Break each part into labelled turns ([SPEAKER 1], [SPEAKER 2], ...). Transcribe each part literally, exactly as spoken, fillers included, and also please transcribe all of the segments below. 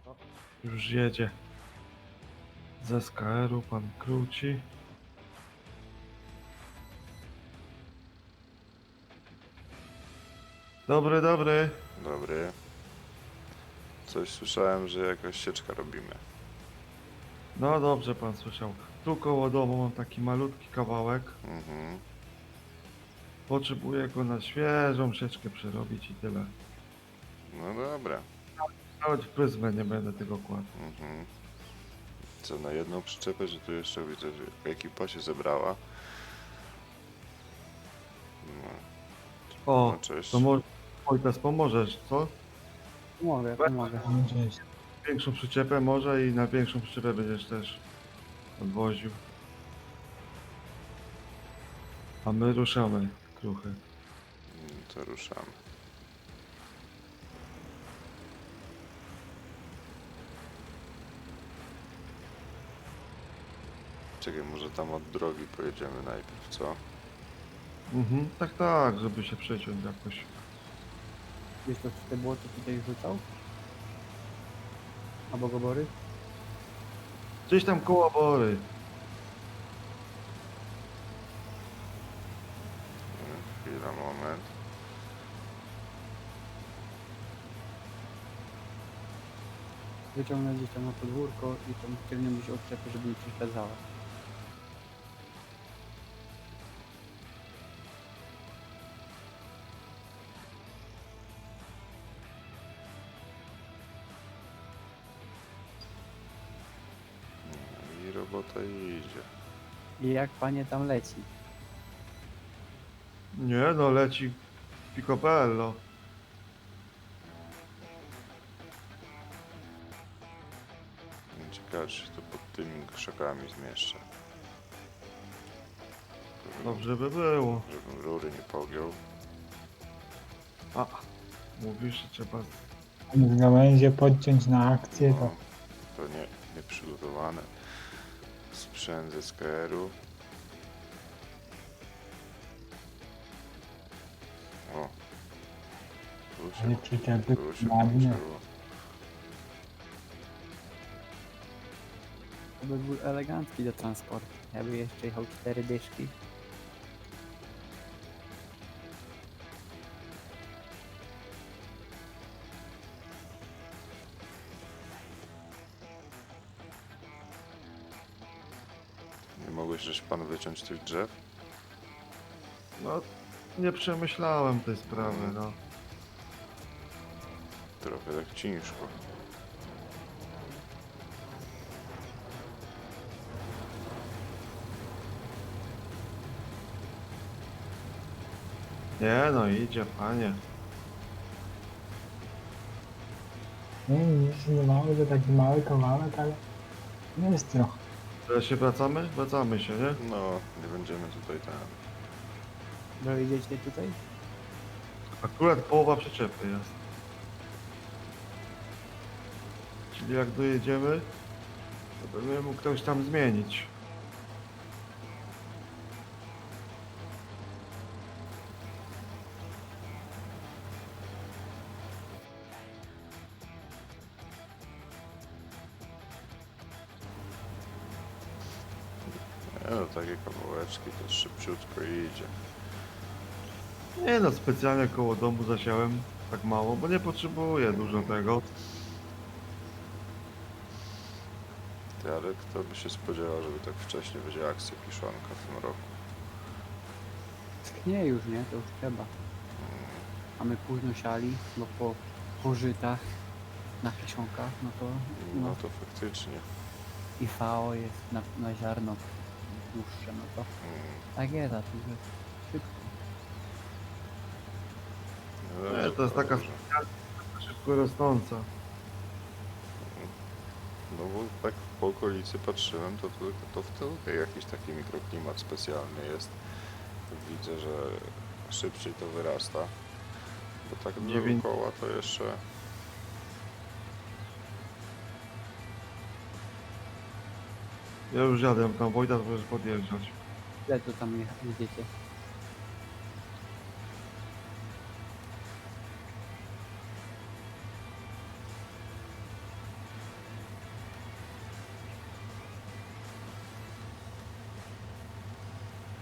[SPEAKER 1] O,
[SPEAKER 2] Już jedzie. Z S K R-u pan Kruci. Dobry, dobry.
[SPEAKER 3] Dobry. Coś słyszałem, że jakaś sieczka robimy.
[SPEAKER 2] No dobrze pan słyszał. Tu koło domu mam taki malutki kawałek.
[SPEAKER 3] Mhm.
[SPEAKER 2] Potrzebuję go na świeżą sieczkę przerobić i tyle.
[SPEAKER 3] No dobra.
[SPEAKER 2] Nawet w pryzmę nie będę tego kładł.
[SPEAKER 3] Mhm. Co, na jedną przyczepę, że tu jeszcze widzę, że ekipa się zebrała. No,
[SPEAKER 2] O,
[SPEAKER 3] no cześć.
[SPEAKER 2] to może Wojtas pomożesz, co?
[SPEAKER 1] pomogę, pomogę.
[SPEAKER 4] Cześć.
[SPEAKER 2] Większą przyczepę może i na większą przyczepę będziesz też odwoził. A my ruszamy, kruchy.
[SPEAKER 3] Mm, To ruszamy. Czekaj, może tam od drogi pojedziemy najpierw, co?
[SPEAKER 2] Mhm, tak, tak, żeby się przeciąć jakoś.
[SPEAKER 1] Wiesz to, czy te błoto tutaj rzucał? Albo gobory?
[SPEAKER 2] Gdzieś tam koło Bory.
[SPEAKER 3] Mm, Chwila, moment.
[SPEAKER 1] Wyciągnę gdzieś tam na podwórko i tam ciągniemy się odczepy, żeby nie przeszkadzała.
[SPEAKER 3] No i robota idzie.
[SPEAKER 1] I jak panie tam leci?
[SPEAKER 2] Nie no, leci Picopello.
[SPEAKER 3] Ciekawe, czy się to pod tymi krzakami zmieszczę.
[SPEAKER 2] Dobrze by było.
[SPEAKER 3] Żebym rury nie pogiął.
[SPEAKER 2] A, mówisz, że trzeba...
[SPEAKER 4] Z gałęzie podciąć na akcję, to
[SPEAKER 3] No, to nie, nieprzygotowane. Sprzęt z S K R-u. O. Tu się,
[SPEAKER 4] nie przyczepy
[SPEAKER 3] tu się
[SPEAKER 4] ładnie.
[SPEAKER 3] włączyło.
[SPEAKER 1] To by był elegancki do transportu. Ja by jeszcze jechał cztery dyszki.
[SPEAKER 3] Nie mogłeś żeś pan wyciąć tych drzew?
[SPEAKER 2] No, nie przemyślałem tej sprawy, no.
[SPEAKER 3] Trochę tak ciężko.
[SPEAKER 2] Nie no, idzie, panie.
[SPEAKER 4] nie, nic nie mały, to taki mały kawałek, ale jest trochę.
[SPEAKER 2] Teraz się wracamy? Wracamy się, nie?
[SPEAKER 3] No, nie będziemy tutaj tam.
[SPEAKER 1] Dojedziecie tutaj?
[SPEAKER 2] Akurat połowa przyczepy jest. Czyli jak dojedziemy, to będzie mógł ktoś tam zmienić.
[SPEAKER 3] Nie no, takie kawałeczki to szybciutko idzie.
[SPEAKER 2] Nie no, specjalnie koło domu zasiałem tak mało, bo nie potrzebuję dużo tego.
[SPEAKER 3] Ty, ale kto by się spodziewał, żeby tak wcześnie będzie akcja kiszonka w tym roku?
[SPEAKER 1] Nie już, nie? To już trzeba. A my późno siali, bo po pożytach na kiszonkach, no to
[SPEAKER 3] No
[SPEAKER 1] no,
[SPEAKER 3] to faktycznie.
[SPEAKER 1] I V O jest na, na ziarno dłuższe, no to
[SPEAKER 3] Mm.
[SPEAKER 1] tak jest, a tu jest szybko.
[SPEAKER 3] No
[SPEAKER 2] Nie,
[SPEAKER 3] dobrze,
[SPEAKER 2] to jest taka
[SPEAKER 3] dobrze.
[SPEAKER 2] szybko rosnąca.
[SPEAKER 3] No bo tak po okolicy patrzyłem, to, to, to w tyłu jakiś taki mikroklimat specjalny jest. Widzę, że szybciej to wyrasta. Bo tak
[SPEAKER 2] Dziewięć-
[SPEAKER 3] dookoła to jeszcze...
[SPEAKER 2] Ja już jadę tam, Wojtas możesz podjeżdżać.
[SPEAKER 1] Ile to tam je- jedziecie?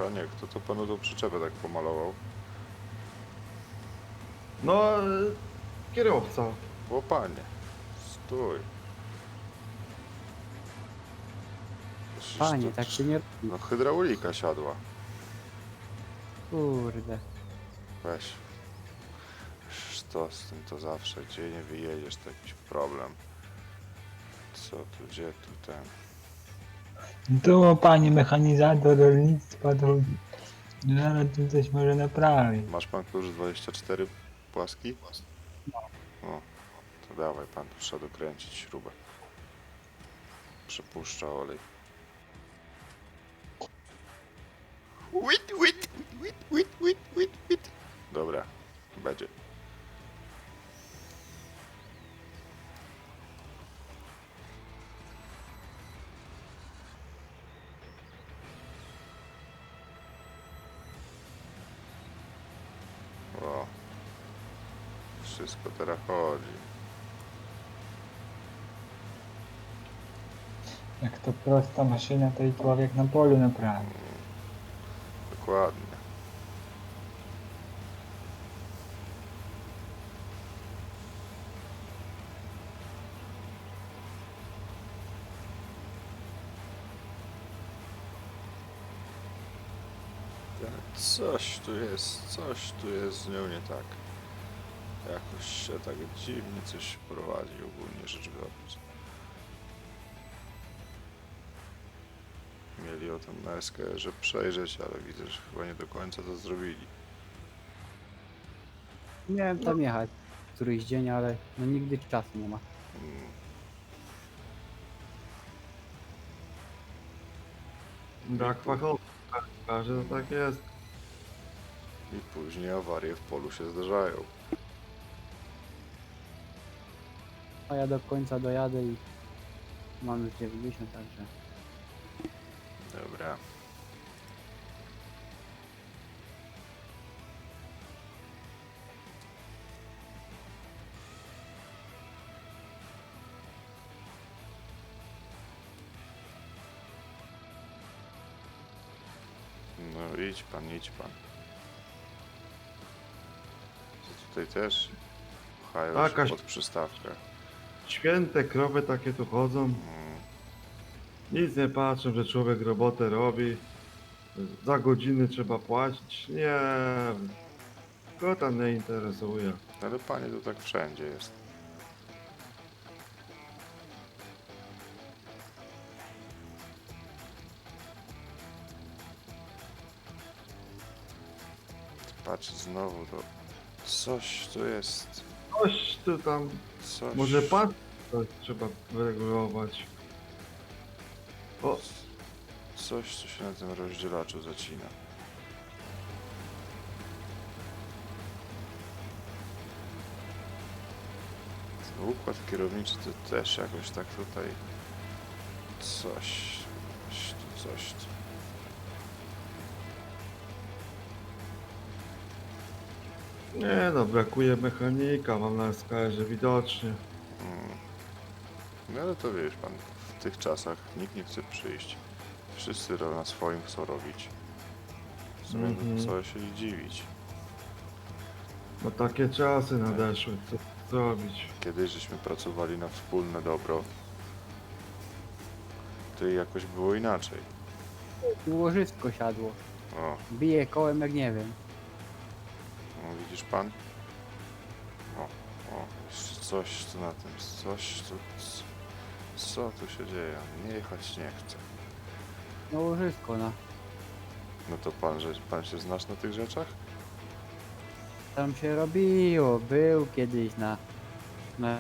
[SPEAKER 3] Panie, kto to panu tą przyczepę tak pomalował?
[SPEAKER 2] No, e, kierowca.
[SPEAKER 3] O panie, stój. Przecież
[SPEAKER 1] Panie,
[SPEAKER 3] to-
[SPEAKER 1] tak się nie robi.
[SPEAKER 3] No hydraulika siadła.
[SPEAKER 1] Kurde.
[SPEAKER 3] Weź. Przecież to z tym to zawsze, gdzie nie wyjedziesz, to jakiś problem. Co tu, gdzie tu ten?
[SPEAKER 4] Tu panie mechanizator rolnictwa, to zaraz tu coś może naprawić.
[SPEAKER 3] Masz pan klucz dwadzieścia cztery płaski? O, to dawaj pan, tu trzeba dokręcić śrubę. Przepuszcza olej. Wit, wit, wit, wit, wit, wit, wit. Dobra, będzie. O, wszystko teraz chodzi.
[SPEAKER 4] Jak to prosta maszyna, to i człowiek na polu naprawi.
[SPEAKER 3] Dokładnie. Coś tu jest, coś tu jest z nią nie tak. Jakoś się tak dziwnie coś prowadzi, ogólnie rzecz biorąc. Mieli o tym na S K R-ze przejrzeć, ale widzę, że chyba nie do końca to zrobili.
[SPEAKER 1] Miałem tam jechać któryś dzień, ale no nigdy czasu nie ma.
[SPEAKER 3] Mm,
[SPEAKER 2] Brak fachowca. Każe, to tak jest.
[SPEAKER 3] I później awarie w polu się zdarzają.
[SPEAKER 1] A ja do końca dojadę i mam już dziewięćdziesiąt, także
[SPEAKER 3] Dobra. No idź pan, idź pan. Co tutaj też pchają
[SPEAKER 2] Tak,
[SPEAKER 3] się
[SPEAKER 2] Kaś-
[SPEAKER 3] pod przystawkę.
[SPEAKER 2] Święte krowy takie tu chodzą.
[SPEAKER 3] Mm,
[SPEAKER 2] Nic nie patrzą, że człowiek robotę robi. Za godziny trzeba płacić. Nie. Go tam nie interesuje.
[SPEAKER 3] ale panie, to tak wszędzie jest. Patrz znowu to. Coś tu jest.
[SPEAKER 2] Coś tu tam.
[SPEAKER 3] Coś.
[SPEAKER 2] Może pan coś trzeba wyregulować. O,
[SPEAKER 3] Coś, co się na tym rozdzielaczu zacina. Ten układ kierowniczy to też jakoś tak tutaj coś, coś tu, coś tu.
[SPEAKER 2] nie no, brakuje mechanika, mam na S K R-ze widocznie.
[SPEAKER 3] Mm. No ale to wiesz pan, w tych czasach nikt nie chce przyjść. Wszyscy ro- na swoim chcą robić. W sumie
[SPEAKER 2] Mhm.
[SPEAKER 3] to co się i dziwić.
[SPEAKER 2] No takie czasy nadeszły, co zrobić?
[SPEAKER 3] Kiedyś żeśmy pracowali na wspólne dobro, to i jakoś było inaczej.
[SPEAKER 1] tu łożysko siadło.
[SPEAKER 3] O,
[SPEAKER 1] Bije kołem jak nie wiem.
[SPEAKER 3] no widzisz pan? O, o, jeszcze coś tu na tym, coś tu, c- co tu się dzieje? Nie jechać nie chcę.
[SPEAKER 1] No łożysko, no.
[SPEAKER 3] No to pan, że pan się znasz na tych rzeczach?
[SPEAKER 1] Tam się robiło, był kiedyś na... na...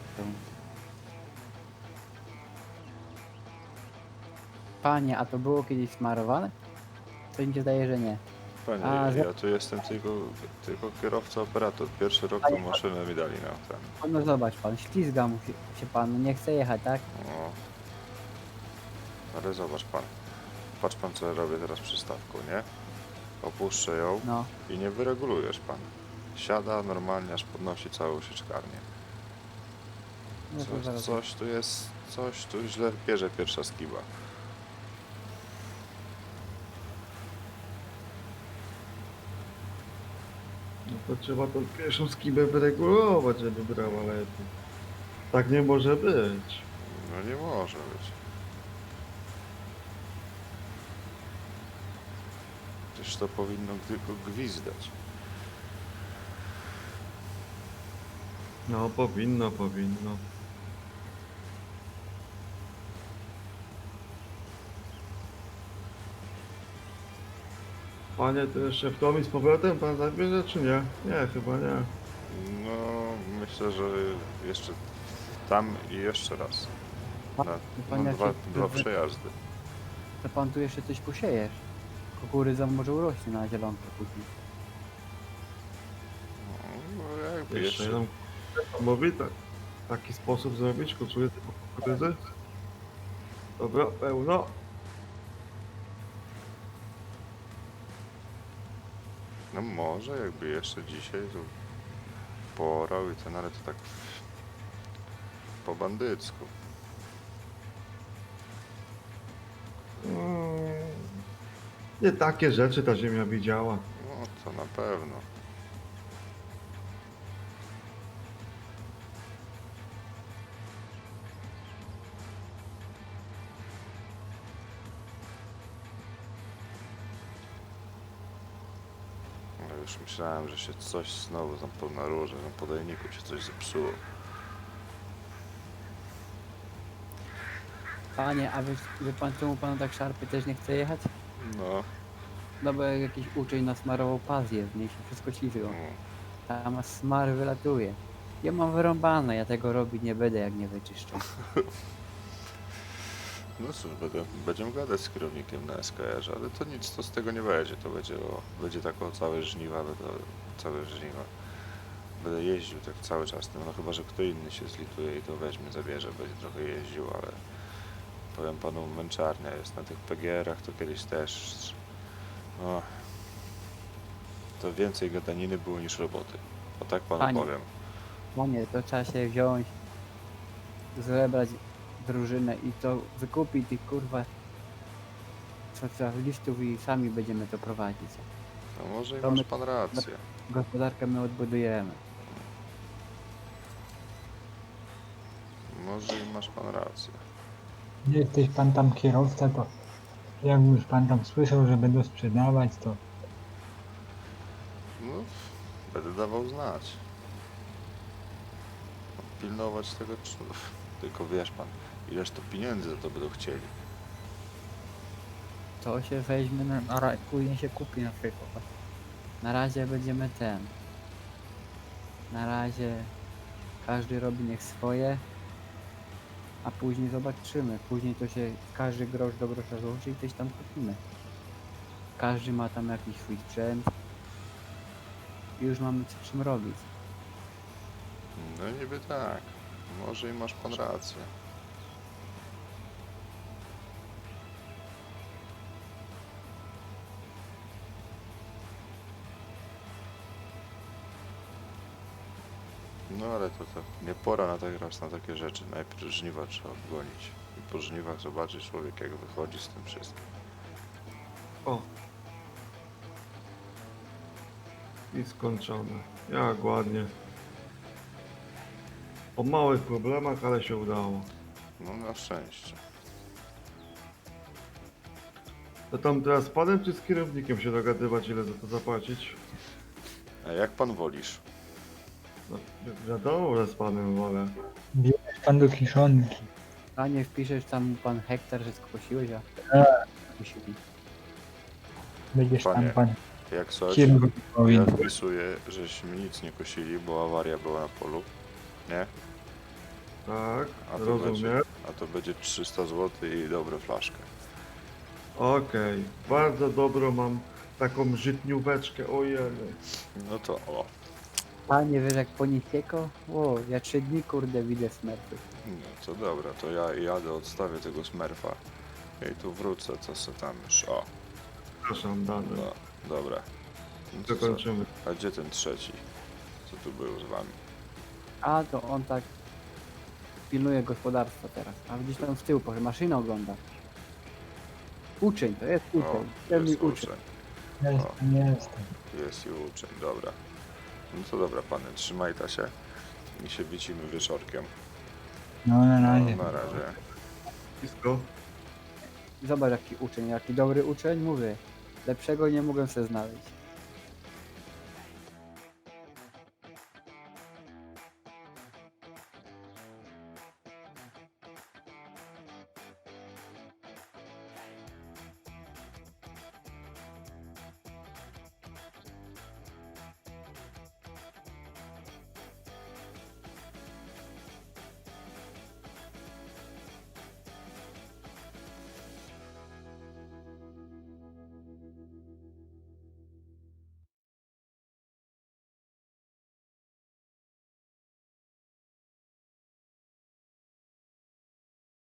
[SPEAKER 1] Panie, a to było kiedyś smarowane? To mi się zdaje, że nie.
[SPEAKER 3] Panie,
[SPEAKER 1] A, że-
[SPEAKER 3] ja tu jestem tylko, tylko kierowca, operator. Pierwszy rok tą maszynę mi dali na ten.
[SPEAKER 1] No zobacz pan, ślizga mu się, się pan, nie chce jechać, tak?
[SPEAKER 3] O. Ale zobacz pan. Patrz pan co ja robię teraz przystawką, nie? Opuszczę ją
[SPEAKER 1] No.
[SPEAKER 3] i nie wyregulujesz pan. Siada normalnie, aż podnosi całą sieczkarnię.
[SPEAKER 1] No to
[SPEAKER 3] Coś,
[SPEAKER 1] zaraz.
[SPEAKER 3] coś tu jest, coś tu źle bierze pierwsza skiba.
[SPEAKER 2] To trzeba tą pierwszą skibę wyregulować, żeby brała lepiej. Tak nie może być.
[SPEAKER 3] No nie może być. Przecież to powinno tylko gwizdać.
[SPEAKER 2] No powinno, powinno. Panie, to jeszcze w Tomi z powrotem pan zabierze, czy nie? Nie, chyba nie.
[SPEAKER 3] No myślę, że jeszcze tam i jeszcze raz. Na,
[SPEAKER 1] Pan
[SPEAKER 3] no,
[SPEAKER 1] jak
[SPEAKER 3] dwa,
[SPEAKER 1] się-
[SPEAKER 3] dwa przejazdy.
[SPEAKER 1] To pan tu jeszcze coś posiejesz. Kukurydza może urośnie na zielonkę później.
[SPEAKER 3] No, jakby
[SPEAKER 2] Jeszcze
[SPEAKER 3] jeszcze,
[SPEAKER 2] jeden mówi tak. Taki sposób zrobić, kucuję tylko kukurydzy. Dobra, pełno.
[SPEAKER 3] no może jakby jeszcze dzisiaj to poorał i ten, ale to tak po bandycku.
[SPEAKER 2] Mm, Nie takie rzeczy ta ziemia widziała.
[SPEAKER 3] No to na pewno. No już myślałem, że się coś znowu tam po na róże, na podajniku się coś zepsuło.
[SPEAKER 1] Panie, a wie, wie pan czemu panu tak szarpy też nie chce jechać?
[SPEAKER 3] No,
[SPEAKER 1] No bo jak jakiś uczeń nasmarował pazję, w niej się wszystko ślizgało.
[SPEAKER 3] mm,
[SPEAKER 1] Tam smar wylatuje. Ja mam wyrąbane, ja tego robić nie będę jak nie wyczyszczę.
[SPEAKER 3] no cóż, będę, będziemy gadać z kierownikiem na S K R, ale to nic to z tego nie będzie. To będzie o, będzie tak o całe żniwa, będę, całe żniwa. Będę jeździł tak cały czas tym, no chyba, że kto inny się zlituje i to weźmie, zabierze, będzie trochę jeździł, ale powiem panu, męczarnia jest na tych P G R-ach, to kiedyś też, no, to więcej gadaniny było niż roboty. O tak panu
[SPEAKER 1] Panie.
[SPEAKER 3] powiem.
[SPEAKER 1] Panie, to trzeba się wziąć, zebrać drużynę i to wykupić tych kurwa socjalistów i sami będziemy to prowadzić.
[SPEAKER 3] No może i
[SPEAKER 1] To
[SPEAKER 3] masz
[SPEAKER 1] my-
[SPEAKER 3] pan rację.
[SPEAKER 1] Gospodarkę my odbudujemy.
[SPEAKER 3] Może i masz pan rację.
[SPEAKER 4] Nie jesteś pan tam kierowca, to jak już pan tam słyszał, że będą sprzedawać, to
[SPEAKER 3] No, będę dawał znać. Pilnować tego, czy... tylko wiesz pan, ileż to pieniędzy za to będą chcieli.
[SPEAKER 1] To się weźmie, na, na, ra- później się kupi na przykład. Na razie będziemy ten. Na razie każdy robi niech swoje, a później zobaczymy. Później to się każdy grosz do grosza złoży i coś tam kupimy. Każdy ma tam jakiś swój sprzęt. I już mamy co czym robić.
[SPEAKER 3] No niby tak. Może i masz pan rację. No ale to, to nie pora na teraz na takie rzeczy. Najpierw żniwa trzeba wgonić. I po żniwach zobaczy człowiek jak wychodzi z tym wszystkim.
[SPEAKER 2] O. I skończone. Jak ładnie. Po małych problemach, ale się udało.
[SPEAKER 3] No na szczęście.
[SPEAKER 2] To tam teraz z panem czy z kierownikiem się dogadywać, ile za to zapłacić?
[SPEAKER 3] A jak pan wolisz?
[SPEAKER 2] No, wi- wiadomo, że z panem wolę.
[SPEAKER 4] bierzesz pan do kiszonki.
[SPEAKER 1] A nie wpiszesz tam pan hektar, że skosiłeś, a skosili.
[SPEAKER 4] Będziesz
[SPEAKER 3] Panie,
[SPEAKER 4] tam pan
[SPEAKER 3] Jak coś,
[SPEAKER 4] kierownik
[SPEAKER 3] ja
[SPEAKER 4] powinien.
[SPEAKER 3] wpisuję, żeśmy nic nie kosili, bo awaria była na polu. Nie?
[SPEAKER 2] Tak,
[SPEAKER 3] A to
[SPEAKER 2] rozumiem.
[SPEAKER 3] będzie, a to będzie trzysta złotych i dobrą flaszkę.
[SPEAKER 2] Okej, bardzo dobrą mam taką żytnióweczkę, ojej.
[SPEAKER 3] No to o.
[SPEAKER 1] Panie, wiesz jak po Nitieko? O, ja trzy dni kurde widzę smerfy.
[SPEAKER 3] No to dobra, to ja jadę, odstawię tego smerfa. I tu wrócę, co se tam już. O,
[SPEAKER 2] Przepraszam, Dany.
[SPEAKER 3] no, dobra. No to co?
[SPEAKER 2] Zakończymy.
[SPEAKER 3] A gdzie ten trzeci? Co tu był z wami?
[SPEAKER 1] A to on tak pilnuje gospodarstwa teraz. A gdzieś tam z tyłu, proszę, maszynę ogląda. Uczeń, to jest
[SPEAKER 3] O,
[SPEAKER 1] uczeń. Pewnie
[SPEAKER 3] jest
[SPEAKER 1] uczeń.
[SPEAKER 3] uczeń.
[SPEAKER 4] Jestem, jestem.
[SPEAKER 3] Jest i uczeń, dobra. No to dobra, panie, trzymaj ta się i się widzimy wieczorkiem.
[SPEAKER 4] No na
[SPEAKER 3] No,
[SPEAKER 4] razie.
[SPEAKER 3] na razie.
[SPEAKER 2] Blisko.
[SPEAKER 1] Zobacz jaki uczeń, jaki dobry uczeń, mówię. Lepszego nie mogę sobie znaleźć.